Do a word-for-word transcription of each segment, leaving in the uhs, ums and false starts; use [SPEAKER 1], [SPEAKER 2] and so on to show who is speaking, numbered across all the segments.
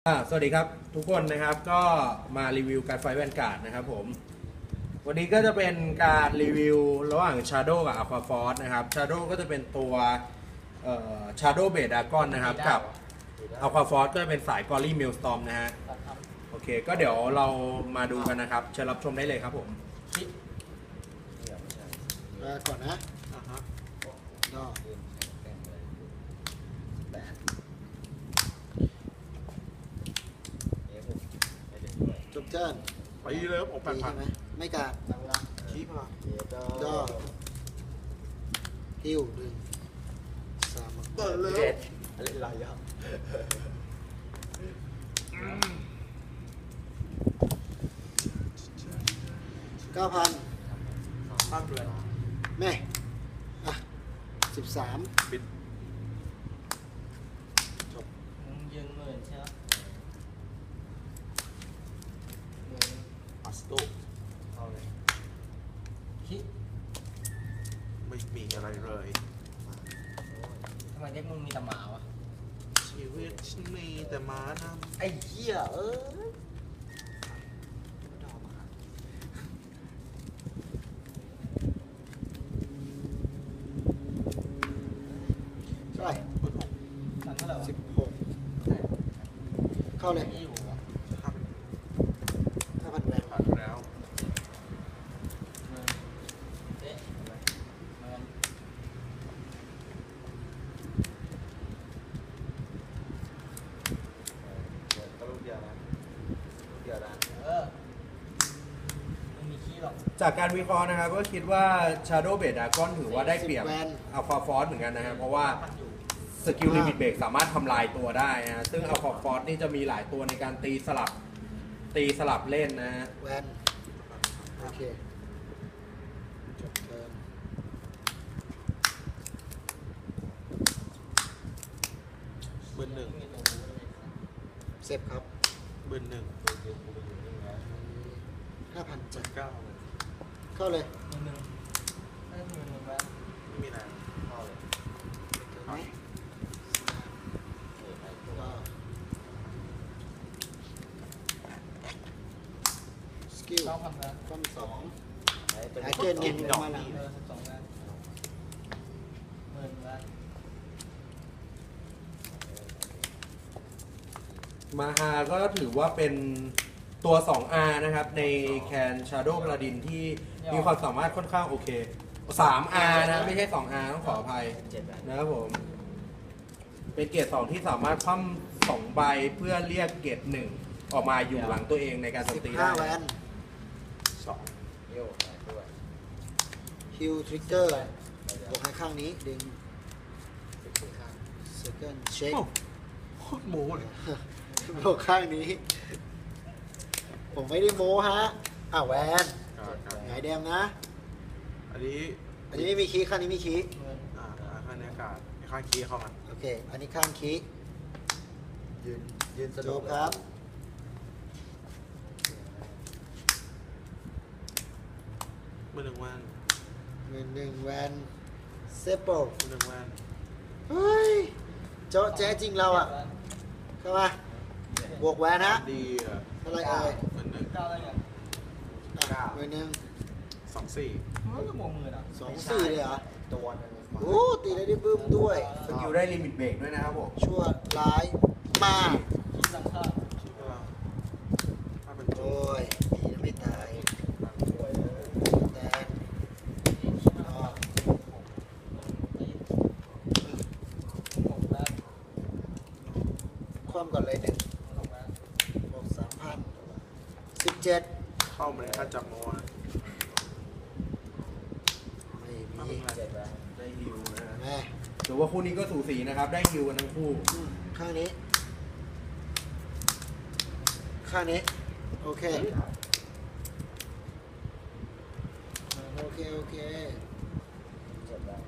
[SPEAKER 1] อ่าสวัสดีครับทุกคนนะครับก็มารีวิวการไฟแวนการ์ดนะครับผมวันนี้ก็จะเป็นการรีวิวระหว่าง Shadow กับ Aqua Force นะครับ Shadow ก็จะเป็นตัวเอ่อ Shadow Blade Dragon นะครับกับ Aqua Force ก็จะเป็นสาย Gory Maelstrom นะฮะโอเคก็เดี๋ยวเรามาดูกันนะครับเชิญรับชมได้เลยครับผม
[SPEAKER 2] มาก่อนนะก็จบเจิ้น
[SPEAKER 3] ไปเลยครับผมแปดพัน
[SPEAKER 2] ใช่ไหมไม่กาด
[SPEAKER 3] ชี้พลัง
[SPEAKER 2] ก็ฮิวดึงสาม
[SPEAKER 3] เปิดเลย
[SPEAKER 4] อะไรไรครับ
[SPEAKER 2] เก้าพัน
[SPEAKER 3] ภาพเลย
[SPEAKER 2] แม่อ่ะสิบสาม
[SPEAKER 3] บิด
[SPEAKER 2] จบ
[SPEAKER 4] มึงยืนหมื่นใช่ไหมหมื่น
[SPEAKER 3] อัสโต
[SPEAKER 4] เอาเลยคิด
[SPEAKER 3] ไม่มีอะไรเลย
[SPEAKER 4] ทำไมเด็กมึงมีแต่หมาวะ
[SPEAKER 3] ชีวิตฉันมีแต่ม้านำ
[SPEAKER 4] ไอ้เหี้ยเออ
[SPEAKER 2] เท่าไหร่
[SPEAKER 3] เปิดหก
[SPEAKER 4] สั่งเท่าไหร่วะ
[SPEAKER 2] สิบหกเข้าเลย
[SPEAKER 4] ไม่อยู่วะ
[SPEAKER 3] ห้าพัน
[SPEAKER 2] ห้าพันแวน
[SPEAKER 3] ผ่านแล้ว
[SPEAKER 4] หมื่นเอ๊ะหมื่น
[SPEAKER 5] ก็ลูกเดียวนะลูกเดียวนะ
[SPEAKER 4] เออไม่มีขี้หรอก
[SPEAKER 1] จากการวิเคราะห์นะครับก็คิดว่า Shadow Blade Dragon ถือว่าได้เปรียบ Aqua Force เหมือนกันนะครับเพราะว่า
[SPEAKER 4] มันอยู่
[SPEAKER 1] สกิลลิมิตเบรกสามารถทำลายตัวได้นะฮะซึ่ง Aqua Force นี่จะมีหลายตัวในการตีสลับตีสลับเล่นนะฮะ
[SPEAKER 2] แวนโอเคจบเทิร์น
[SPEAKER 3] เบิร์นหนึ่ง
[SPEAKER 4] มีตัวรู้เลย
[SPEAKER 2] เซฟครับ
[SPEAKER 3] เบิร์นหนึ่ง
[SPEAKER 2] ห้าพัน
[SPEAKER 3] เบิ
[SPEAKER 2] จั
[SPEAKER 3] ร์
[SPEAKER 2] ด
[SPEAKER 3] นเก้า
[SPEAKER 2] เข้าเลย
[SPEAKER 4] หมื่นหนึ่งได้หมื่นหนึ่งแล้ว
[SPEAKER 3] ไม่มีนาน
[SPEAKER 4] เอาเลย
[SPEAKER 2] เทิร์นไหมก็สกิล
[SPEAKER 4] เก้าพันแล้ว
[SPEAKER 2] ต้นสอง
[SPEAKER 5] ไอ้เป็น
[SPEAKER 2] หายเกณฑ์เงินลงมาหลัง
[SPEAKER 4] เออสิบสองแล้วหมื่นแล้ว
[SPEAKER 1] มาฮาก็ถือว่าเป็นตัว สอง อาร์ นะครับในแคน Shadow Paladin ที่มีความสามารถค่อนข้างโอเค สาม อาร์ นะไม่ใช่ สอง อาร์ ต้องขออภัย
[SPEAKER 5] เจ็ดแบบ
[SPEAKER 1] นะครับผม เป็นเกรดสองที่สามารถคว่ำสองใบเพื่อเรียกเกรดหนึ่งออกมาอยู่หลังตัวเองในการโจ
[SPEAKER 2] สิ
[SPEAKER 1] ม
[SPEAKER 2] บ
[SPEAKER 1] ตี
[SPEAKER 2] ห้า
[SPEAKER 1] ได้
[SPEAKER 2] แวน
[SPEAKER 3] สอง
[SPEAKER 5] โย่ใส่ด้วย
[SPEAKER 2] ฮิวทริกเกอร์บวกให้ข้างนี้ ดึง
[SPEAKER 5] สิบสี่ข้าง
[SPEAKER 2] เซคันด์เช็ค
[SPEAKER 3] โอ้โคตรโม้เลย
[SPEAKER 2] บวกข้างนี้ ผมไม่ได้โม้ฮะอ่ะแวน
[SPEAKER 3] การการ
[SPEAKER 2] หงายแดงนะ
[SPEAKER 3] อันนี้
[SPEAKER 2] อันนี้ไม่มีคีย์ข้างนี้มีคีย์
[SPEAKER 4] หมื่น
[SPEAKER 3] อ่าข้างในอากาศข้างคีย์เข้ามา
[SPEAKER 2] โอเค อันนี้ข้างคีย์
[SPEAKER 5] ยืนยืนส
[SPEAKER 2] จ
[SPEAKER 5] นุ
[SPEAKER 2] บ
[SPEAKER 5] ก
[SPEAKER 2] ครับ
[SPEAKER 3] เบิร์นหนึ่งวัน
[SPEAKER 2] หนึ่งหนึ่งแวนเซปเปิล
[SPEAKER 3] เบิร์นหนึ่งวัน
[SPEAKER 2] เฮ้ยเจ้าแจ๊จริงเราอ่ะ เข้ามา บวกแวนฮะ
[SPEAKER 3] ดีอ่ะ
[SPEAKER 2] เท่าไหรเอ่ย
[SPEAKER 3] เบิร์นหนึ่ง
[SPEAKER 4] เก้าได้ไง
[SPEAKER 2] อ่ะหน่วยหนึ่ง
[SPEAKER 3] สองสี่
[SPEAKER 4] มันก็บวกหมื่นอ่ะ
[SPEAKER 2] สองสี่เลยเหรอ
[SPEAKER 5] ตัวนึง
[SPEAKER 2] โอ้ตีได้ได้บึ้มด้วย
[SPEAKER 1] สกิลได้ลิมิตเบรกด้วยนะครับผม
[SPEAKER 2] ชั่วร้ายมาก
[SPEAKER 4] คิดสังฆา
[SPEAKER 3] ชี้พลังถ้าเป็นโจ
[SPEAKER 2] โอ้ยดีนะไม่ตาย
[SPEAKER 5] ช่วยเลย
[SPEAKER 2] แต่อ๋อ
[SPEAKER 4] หกแล้ว
[SPEAKER 2] คว่ำก่อนเลยหนึ่ง
[SPEAKER 4] หกแล้ว
[SPEAKER 2] บวกสามพันสิบเจ็ด
[SPEAKER 3] เข้ามาในค่าจับโม้นะ
[SPEAKER 2] ไม่
[SPEAKER 3] ถ้า
[SPEAKER 2] มี
[SPEAKER 3] เป็นอะไร
[SPEAKER 5] เจ็ดแบบ
[SPEAKER 1] ได้ฮิวนะฮะ
[SPEAKER 2] แม่
[SPEAKER 1] ถือว่าคู่นี้ก็สูสีนะครับ ได้ฮิวกันทั้งคู่
[SPEAKER 2] อืมข้างนี้ ข้างนี้ โอเค โอเค โอเค
[SPEAKER 5] เจ็ดแบบ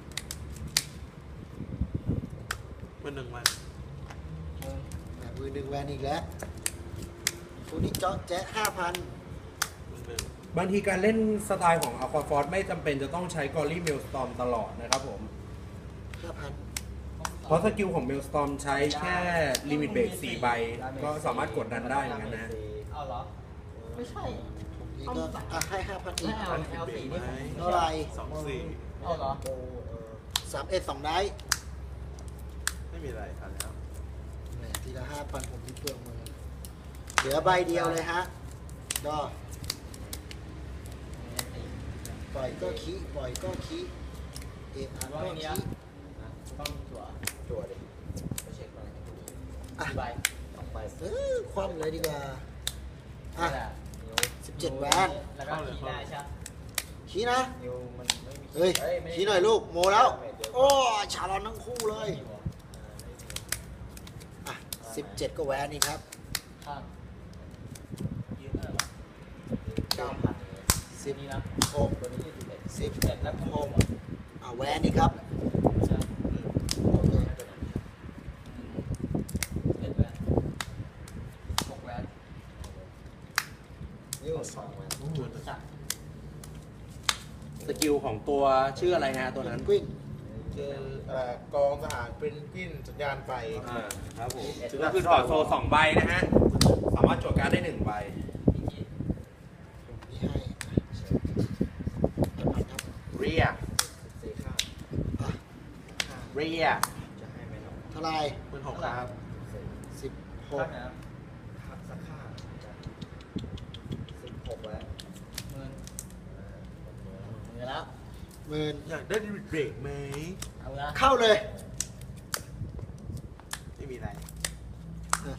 [SPEAKER 3] เบิร์นหนึ่งวัน
[SPEAKER 4] หมื่น
[SPEAKER 2] แหม่มือหนึ่งแวนอีกแล้วคู่นี้เจาะแจ๊ะห้าพัน
[SPEAKER 3] เบิร์นหนึ่ง
[SPEAKER 1] บางทีการเล่นสไตล์ของ Aqua Force ไม่จำเป็นจะต้องใช้ Gory Maelstrom ตลอดนะครับผม
[SPEAKER 2] ห้าพัน
[SPEAKER 4] หก
[SPEAKER 1] เพราะสกิลของเมลสตอมใช้แค่ลิมิตเบรกสี่ใบ ก็สามารถกดดันได้เหมือนกันนะ
[SPEAKER 4] เอาเหรอ ไม่ใช่
[SPEAKER 2] นี่ก็อ่ะให้ห้าพันอีก
[SPEAKER 4] ไม่เอา แอล สี่นี่ผม
[SPEAKER 2] เท่าไหร่
[SPEAKER 3] สองสี่
[SPEAKER 4] เอาเหรอ
[SPEAKER 5] โอ้เออ
[SPEAKER 2] สามเอ็ดสองได้
[SPEAKER 3] ไม่มีอะไรทันแล้ว
[SPEAKER 2] แหมทีละห้าพันผมที่เปลืองมือเหลือใบเดียวเลยฮะ ก็ปล่อยก็ขี้ปล่อยก็ขี้เอกอัน
[SPEAKER 4] ว่า
[SPEAKER 2] ก็
[SPEAKER 4] ไงเนี่ย
[SPEAKER 2] ขี้
[SPEAKER 4] ต้องจั่ว
[SPEAKER 5] จั่วดิไปเช็คมา
[SPEAKER 2] อ่ะ
[SPEAKER 4] กี่ใบ
[SPEAKER 5] สองใบ
[SPEAKER 2] เออคว่ำเลยดีกว่า อ่ะ
[SPEAKER 4] นั่นแหละ
[SPEAKER 5] นิ้ว
[SPEAKER 2] สิบเจ็ดแหวน
[SPEAKER 4] แล้วก็คีย์ได้ใช่ไหม
[SPEAKER 2] ขี้นะ
[SPEAKER 5] นิ้วมันไม่มี
[SPEAKER 2] เฮ้ย
[SPEAKER 5] ไม่
[SPEAKER 2] ขี้หน่อยลูก โมแล้ว โอ้ชาลอนทั้งคู่เลย อ่ะสิบเจ็ดก็แหวนนี่ครับ
[SPEAKER 4] ข้างยืนเท่าไหร่วะ
[SPEAKER 5] เก้าพัน
[SPEAKER 2] สิบ
[SPEAKER 4] นี่นะ
[SPEAKER 2] หก
[SPEAKER 5] ตัวนี้ยี่สิบเอ็ด
[SPEAKER 2] สิบ
[SPEAKER 4] เจ็ดแล้วหก
[SPEAKER 2] อ่ะแหวนนี่ครับ
[SPEAKER 4] ใช่
[SPEAKER 2] โอเค
[SPEAKER 4] เจ็ดแหวนหกแหวน
[SPEAKER 5] นิ้วสองแหวน
[SPEAKER 3] จุดหนึ่ง
[SPEAKER 4] จัด
[SPEAKER 1] สกิลของตัวชื่ออะไรฮะตัวนั้น
[SPEAKER 2] กวิน
[SPEAKER 3] คือเอ่อกองทหารเป็นกิ้นสัญญาณไฟ
[SPEAKER 1] อ่าครับผมก็คือถอดโซสองใบนะฮะ สามารถจดการดได้หนึ่งใบ
[SPEAKER 4] อีกที
[SPEAKER 2] นี่ให้ห้าพันครับ
[SPEAKER 1] เรีย
[SPEAKER 5] สี่ข้าง
[SPEAKER 2] อ่ะ
[SPEAKER 1] เรีย
[SPEAKER 5] จะให้ไหมเนาะ
[SPEAKER 2] เท่าไหร่
[SPEAKER 3] หมื่นหกครับ
[SPEAKER 5] สี่
[SPEAKER 2] สิบห
[SPEAKER 4] ข้าก งไหนนะ
[SPEAKER 5] หักสักข้างจะสิบหกแล้ว
[SPEAKER 4] หมื่น
[SPEAKER 5] เออหมดเนื้อ
[SPEAKER 4] หมื่นแล้ว
[SPEAKER 2] หมื่น
[SPEAKER 3] อยากได้ลิมิตเบรกไหม
[SPEAKER 4] เอาละ
[SPEAKER 2] เข้าเลย
[SPEAKER 3] ไม่มีอะไร
[SPEAKER 2] อ่ะ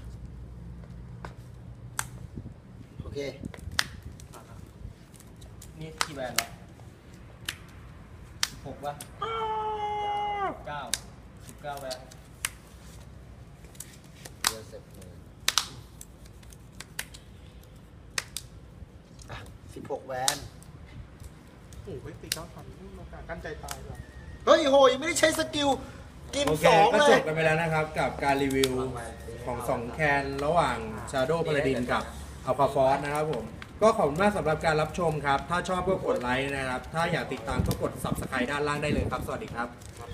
[SPEAKER 2] โอเค
[SPEAKER 3] อ่ะครับ
[SPEAKER 4] นี่กี่แหวนวะสิบหกป่ะเก้าสิบเก้าแหวน
[SPEAKER 5] เดือนเสร็จมือ
[SPEAKER 2] อ่ะสิบหกแหวน
[SPEAKER 3] โอ้โหตีเก้าพันนี่โอกาสกั้นใจตายว่ะ
[SPEAKER 2] เฮ้ยโหยังไม่ได้ใช้สกิล กิน
[SPEAKER 1] โอเค
[SPEAKER 2] สอง
[SPEAKER 1] ก็
[SPEAKER 2] เล
[SPEAKER 1] จ
[SPEAKER 2] ย
[SPEAKER 1] บกันไปแล้วนะครับ กับการรีวิวของสองแคนระหว่าง Shadow Paladin กับ Alpha Force นะครับผม ก็ขอบคุณมากสำหรับการรับชมครับ ถ้าชอบก็กดไลค์นะครับ ถ้าอยากติดตามก็กด Subscribe ด้านล่างได้เลยครับ สวัสดีครับ